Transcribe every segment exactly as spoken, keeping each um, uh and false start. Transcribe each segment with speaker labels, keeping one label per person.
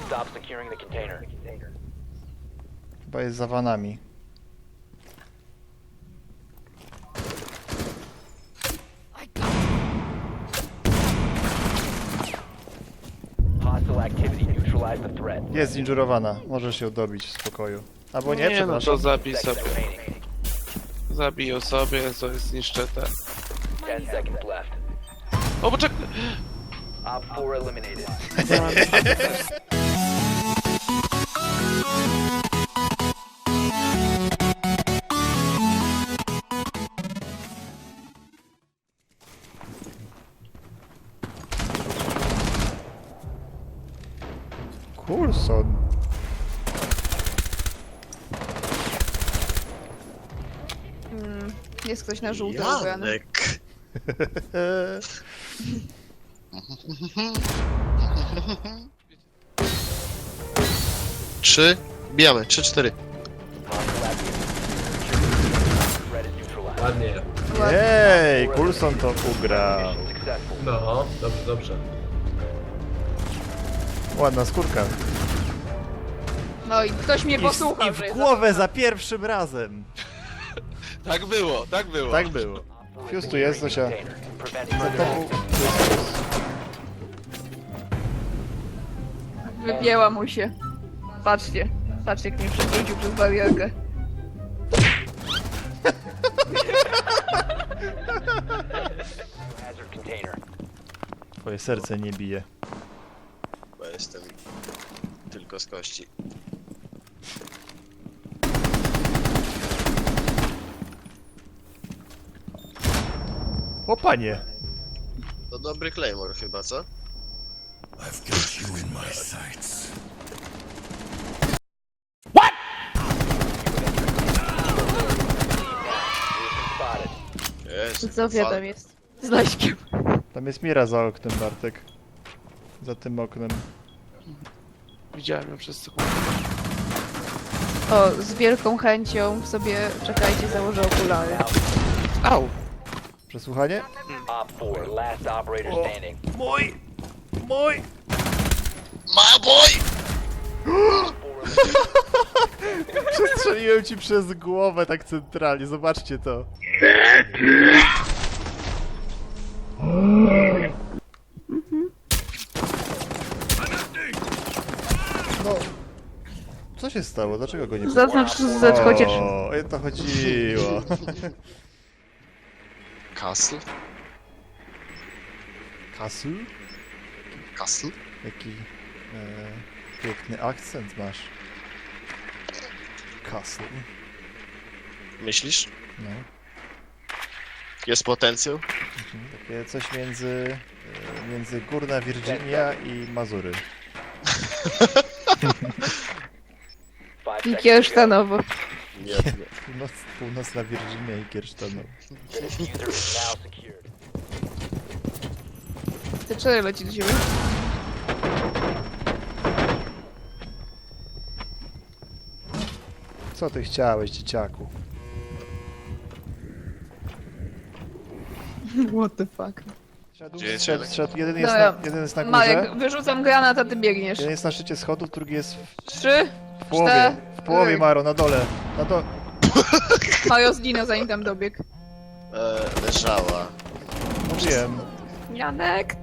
Speaker 1: Stop securing the container.
Speaker 2: Chyba jest za vanami.
Speaker 1: Hostile activity. Neutralize the threat.
Speaker 2: Jest zinjurowana, możesz ją dobić w spokoju. Albo nie,
Speaker 3: Nie, no to
Speaker 2: przepraszam.
Speaker 3: zabij
Speaker 1: Seconds
Speaker 3: sobie.
Speaker 1: remaining.
Speaker 3: Zabiję sobie, to jest zniszczę te.
Speaker 1: Ten seconds left.
Speaker 3: O, poczekaj!
Speaker 1: Op four eliminated.
Speaker 2: Coulson.
Speaker 4: Mm, jest ktoś na żółto ubrany.
Speaker 5: Janek. Trzy. Bijamy. Trzy, cztery.
Speaker 1: Hostile activity. Threat is neutralized.
Speaker 6: Ładnie.
Speaker 2: Jej, Coulson to ugrał.
Speaker 1: Mission successful.
Speaker 6: No, dobrze, dobrze.
Speaker 2: Ładna skórka.
Speaker 4: No i ktoś mnie
Speaker 2: I,
Speaker 4: posłuchał,
Speaker 2: I
Speaker 4: że
Speaker 2: w
Speaker 4: jest
Speaker 2: głowę za pierwszym razem.
Speaker 3: Tak było, tak było.
Speaker 2: Tak było. Fuse tu jest, Zosia.
Speaker 1: Container. Preventing
Speaker 2: Za tobą.
Speaker 4: Wypięła mu się. Patrzcie. Patrzcie, jak mnie przewrócił przez barierkę.
Speaker 1: hazard container.
Speaker 2: Twoje serce nie bije.
Speaker 5: Bo jestem tylko z kości.
Speaker 2: O panie!
Speaker 5: To dobry Claymore chyba, co?
Speaker 1: Spotted.
Speaker 5: Jest.
Speaker 4: Zofia tam jest. Z Laśkiem.
Speaker 2: Tam jest Mira za oknem, Bartek. Za tym oknem.
Speaker 3: Widziałem ją przez sekundę.
Speaker 4: O, z wielką chęcią sobie, czekajcie, założę okulary.
Speaker 3: Au!
Speaker 2: Przesłuchanie?
Speaker 1: Op four. Last operator
Speaker 2: Oh.
Speaker 1: standing.
Speaker 2: Mój! Mój!
Speaker 5: Ma boy!
Speaker 2: Przestrzeliłem ci przez głowę tak centralnie, zobaczcie to. No. Co się stało? Dlaczego go nie...
Speaker 4: Zaznacz Z chociaż.
Speaker 2: O, o to chodziło.
Speaker 5: Castle?
Speaker 2: Kasu?
Speaker 5: Castle?
Speaker 2: Jaki e, piękny akcent masz. Castle.
Speaker 5: Myślisz?
Speaker 2: No.
Speaker 5: Jest potencjał?
Speaker 2: Takie coś między, e, między Górna Virginia i Mazury.
Speaker 1: Five
Speaker 4: I
Speaker 1: seconds to go.
Speaker 4: Kiersztanowo.
Speaker 5: Nie, nie.
Speaker 2: Północ, północna Virginia i Kiersztanow.
Speaker 1: The diffuser is now secured.
Speaker 4: Te cztery leci do siebie.
Speaker 2: Co ty chciałeś, dzieciaku?
Speaker 4: What the fuck.
Speaker 2: Szedł,
Speaker 5: Gdzie jest
Speaker 2: szedł,
Speaker 5: Jelek?
Speaker 2: szedł. Jeden jest,
Speaker 4: Dobra.
Speaker 2: na, jeden jest na górze,
Speaker 4: Marek, wyrzucam granat, a ty biegniesz.
Speaker 2: jeden jest na szczycie schodów, drugi jest w,
Speaker 4: Trzy,
Speaker 2: w połowie. W połowie,
Speaker 4: cztery.
Speaker 2: Maro, na dole. Na do...
Speaker 4: Mario zginął zanim tam dobiegł.
Speaker 5: E, leżała.
Speaker 2: Mówiłem.
Speaker 4: Janek!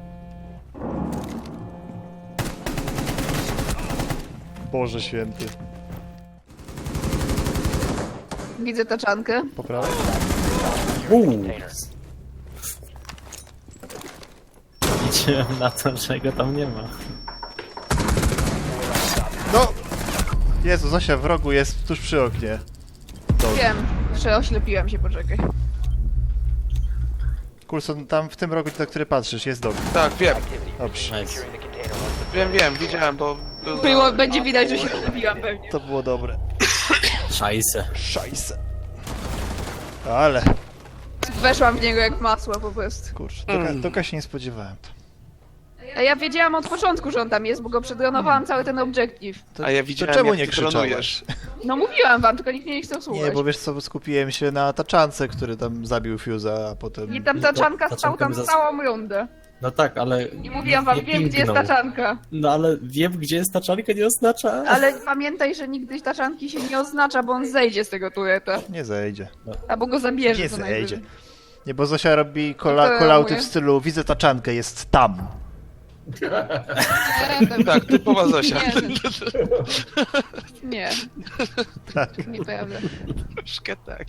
Speaker 2: Boże święty.
Speaker 4: Widzę taczankę.
Speaker 2: Po prawej?
Speaker 1: Container.
Speaker 7: Liczyłem na to, że go tam nie ma.
Speaker 2: No! Jezu, Zosia w rogu jest tuż przy oknie. Dobra.
Speaker 4: Wiem, że oślepiłam się, poczekaj.
Speaker 2: Coulson, tam w tym rogu, na który patrzysz, jest dom.
Speaker 3: Tak, wiem,
Speaker 2: Dobrze.
Speaker 7: Nice.
Speaker 1: Securing the container once
Speaker 3: wiem, wiem, widziałem, bo... Był...
Speaker 4: Było, będzie widać, że się oślepiłam pewnie.
Speaker 2: To było dobre.
Speaker 7: Szajse.
Speaker 2: Szajse. Ale,
Speaker 4: Weszłam w niego jak masło po prostu.
Speaker 2: kurczę, toka, toka się nie spodziewałem.
Speaker 4: A ja wiedziałam od początku, że on tam jest, bo go przedronowałam cały ten obiektyw.
Speaker 2: To,
Speaker 3: A ja
Speaker 2: to
Speaker 3: widziałem,
Speaker 2: czemu
Speaker 3: jak
Speaker 2: nie
Speaker 3: ty
Speaker 2: krzyczałeś?
Speaker 3: dronujesz.
Speaker 4: No mówiłam wam, tylko nikt mnie nie chciał słuchać.
Speaker 2: Nie, bo wiesz co, skupiłem się na taczance, który tam zabił Fuse'a, a potem...
Speaker 4: I tam taczanka
Speaker 7: Ta-
Speaker 4: stał tam
Speaker 7: taczanka mi zas-
Speaker 4: całą rundę.
Speaker 7: No tak, ale...
Speaker 4: I mówiłam wam,
Speaker 7: nie
Speaker 4: wiem gdzie jest
Speaker 7: pingnął.
Speaker 4: taczanka.
Speaker 7: No ale wiem, gdzie jest taczanka, nie oznacza...
Speaker 4: Ale pamiętaj, że nigdy taczanki się nie oznacza, bo on zejdzie z tego tureta.
Speaker 2: Nie zejdzie.
Speaker 4: Albo go zabierze
Speaker 2: Nie
Speaker 4: co
Speaker 2: zejdzie.
Speaker 4: najwyżej.
Speaker 2: Nie, bo Zosia robi
Speaker 4: No
Speaker 2: kola,
Speaker 4: to
Speaker 2: kolauty
Speaker 4: mówię.
Speaker 2: w stylu widzę taczankę, jest tam.
Speaker 4: Nie, to-
Speaker 3: Tak, typowa Zosia.
Speaker 4: Nie, nie,
Speaker 2: Tak.
Speaker 4: nieprawda.
Speaker 3: Troszkę tak.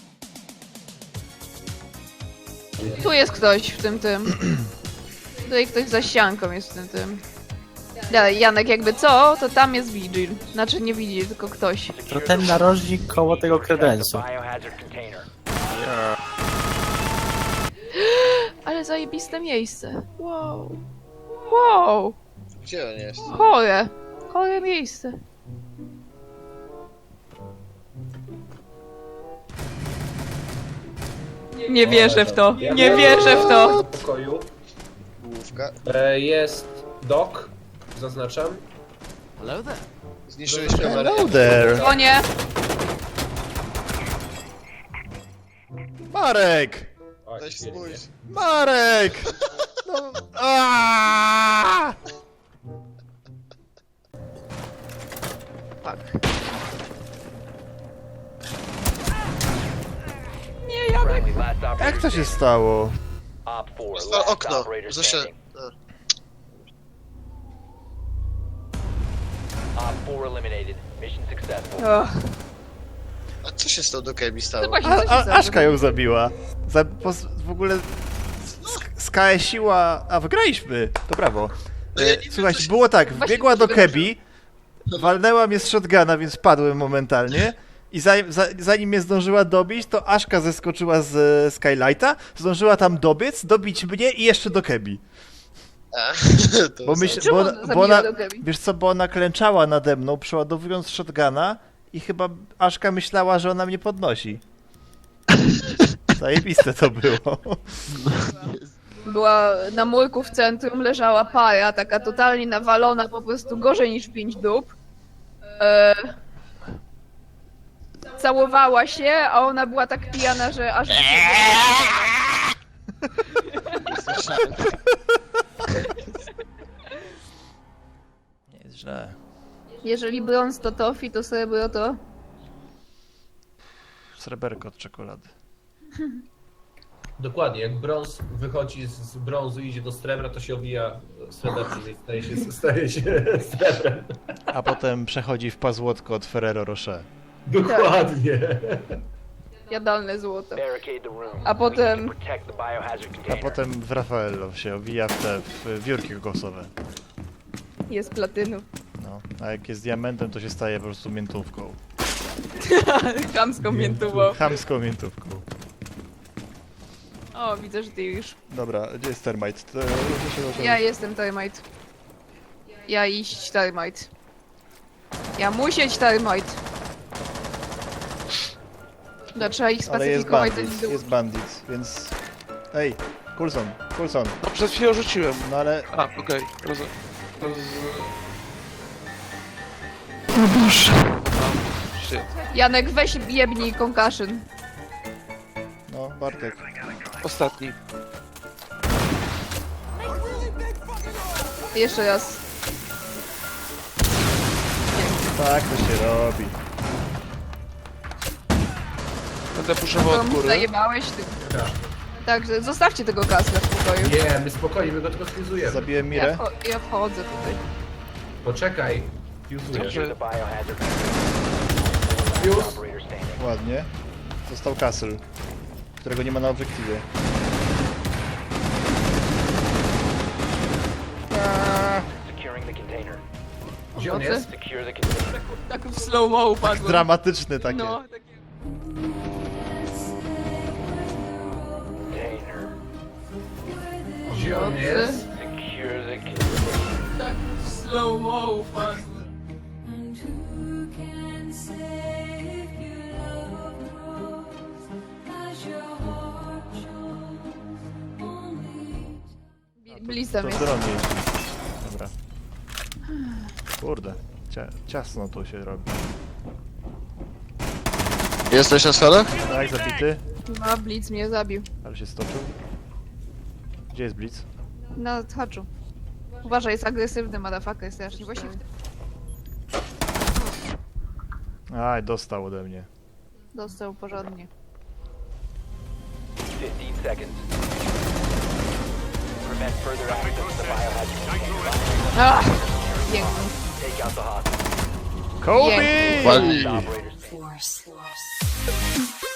Speaker 4: Tu jest ktoś w tym tym. Tutaj ktoś za ścianką jest w tym tym. Dalej, Janek, jakby co, to tam jest Vigil. Znaczy nie Vigil, tylko ktoś.
Speaker 7: To ten narożnik koło tego kredensu.
Speaker 1: Biohazard container.
Speaker 4: Ale zajebiste miejsce. Wow. Wow.
Speaker 5: Gdzie on jest?
Speaker 4: Chore. Chore miejsce. Nie wierzę w to. Nie wierzę w to.
Speaker 6: W pokoju.
Speaker 5: Główka.
Speaker 6: E, jest dok, zaznaczam.
Speaker 5: Zniszczyłeś kamerę.
Speaker 2: Hello there.
Speaker 4: O nie.
Speaker 2: Marek!
Speaker 6: O,
Speaker 5: Weź
Speaker 6: świetnie.
Speaker 5: spójrz.
Speaker 2: Marek! No. Aaaa!
Speaker 4: Fuck. Nie, Janek.
Speaker 1: Friendly, last operator
Speaker 2: Jak to się
Speaker 1: standing.
Speaker 2: stało?
Speaker 1: Op four,
Speaker 5: Jest
Speaker 1: last
Speaker 5: okno.
Speaker 1: operator
Speaker 5: Zosia.
Speaker 1: standing.
Speaker 5: a.
Speaker 1: Op four eliminated. Mission successful.
Speaker 4: Och,
Speaker 5: A co się z tą do Kebi
Speaker 4: no
Speaker 5: stało?
Speaker 4: właśnie,
Speaker 2: A,
Speaker 4: co się
Speaker 2: a,
Speaker 4: stało?
Speaker 2: Aszka ją zabiła. Za, po, w ogóle sk- skałesiła, a wygraliśmy. To brawo.
Speaker 5: No ja nie
Speaker 2: E,
Speaker 5: wiem,
Speaker 2: Słuchajcie,
Speaker 5: co się-
Speaker 2: było tak,
Speaker 4: Właśnie
Speaker 2: wbiegła do
Speaker 4: tego
Speaker 2: Kebi, walnęła mnie z shotguna, więc padłem momentalnie. I zanim, za, zanim mnie zdążyła dobić, to Aszka zeskoczyła z e, Skylighta, zdążyła tam dobiec, dobić mnie i jeszcze do Kebi.
Speaker 5: A, to
Speaker 2: Bo
Speaker 5: za-
Speaker 2: myśl,
Speaker 4: Czemu
Speaker 2: bo,
Speaker 4: ona
Speaker 2: ona-
Speaker 4: zabiła
Speaker 2: bo ona,
Speaker 4: do Kebi?
Speaker 2: wiesz co, bo ona klęczała nade mną, przeładowując shotguna i chyba Aszka myślała, że ona mnie podnosi. Zajebiste to było.
Speaker 4: Była na murku w centrum, leżała para, taka totalnie nawalona, po prostu gorzej niż pięć dup. E... Całowała się, a ona była tak pijana, że aż...
Speaker 2: Nie jest źle.
Speaker 4: Jeżeli brąz to tofi, to srebro to...
Speaker 2: Sreberko od czekolady.
Speaker 6: Dokładnie, jak brąz wychodzi z, z brązu i idzie do srebra, to się obija srebrem i staje się, staje się srebrem.
Speaker 2: A potem przechodzi w pazłotko od Ferrero Rocher.
Speaker 6: Dokładnie.
Speaker 4: Jadalne złoto.
Speaker 1: Barricade the room.
Speaker 4: A potem-
Speaker 1: We need to protect the biohazard
Speaker 2: A
Speaker 1: container.
Speaker 2: potem w Raffaello się obija w te w wiórki kokosowe.
Speaker 4: Jest platynów.
Speaker 2: No. A jak jest diamentem, to się staje po prostu miętówką.
Speaker 4: Chamską miętową.
Speaker 2: Chamską miętówką.
Speaker 4: O, widzę, że ty już.
Speaker 2: Dobra, gdzie jest termite? To, to się
Speaker 4: Ja jestem termite. Ja iść termite. Ja musieć termite. No, trzeba ich
Speaker 2: Ale jest
Speaker 4: spacyfikować.
Speaker 2: bandit,
Speaker 4: zanim
Speaker 2: jest bandit, więc... Ej, Coulson, Coulson,
Speaker 3: No przed chwilą rzuciłem.
Speaker 2: no ale...
Speaker 3: A, okej. Roz... Roz... Shit.
Speaker 4: Janek, weź jebnij concussion.
Speaker 2: No, Bartek.
Speaker 3: Ostatni.
Speaker 4: Jeszcze raz.
Speaker 2: Tak to się robi.
Speaker 3: Będę puszował od
Speaker 4: To
Speaker 3: góry.
Speaker 4: zajebałeś ty. Także zostawcie tego kasla w pokoju.
Speaker 6: Nie, my spokojnie, my go tylko skryzujemy.
Speaker 2: Zabiłem
Speaker 4: Ja,
Speaker 2: Mirę.
Speaker 4: wcho- ja wchodzę tutaj.
Speaker 6: Poczekaj. Fuzuję.
Speaker 3: Dobrze.
Speaker 1: The biohazard container.
Speaker 6: Fuse.
Speaker 1: Operator standing.
Speaker 2: Ładnie. Został Castle, którego nie ma na obiektywie.
Speaker 1: Securing the container.
Speaker 6: Gdzie on
Speaker 4: Pomocy?
Speaker 6: jest?
Speaker 1: Secure the container.
Speaker 4: Tak w slow-mo upadło.
Speaker 2: Dramatyczne takie.
Speaker 4: No, takie.
Speaker 1: Container.
Speaker 6: Gdzie on jest?
Speaker 1: Secure the container.
Speaker 4: Tak w slow-mo upadło.
Speaker 8: And who can say if your love grows as your heart shows only
Speaker 4: Blizz tam
Speaker 2: To
Speaker 4: jest.
Speaker 2: dron jeździ. Dobra. Kurde, cia ciasno tu się robi.
Speaker 5: Jesteś na schodach?
Speaker 2: Tak, zabity,
Speaker 4: No, Blitz mnie zabił.
Speaker 2: ale się stoczył. Gdzie jest Blitz?
Speaker 4: Na haczu. Uważaj, jest agresywny, motherfucker, jest strasznie. Właśnie w tym
Speaker 2: Aj, dostał ode mnie.
Speaker 4: dostał porządnie.
Speaker 1: fifteen seconds. Prevent further access to the biohazard container.
Speaker 4: Ach! Piękny.
Speaker 1: Take out the hostage.
Speaker 2: Kobe!
Speaker 4: Piękny.
Speaker 5: Wali.
Speaker 1: Operators.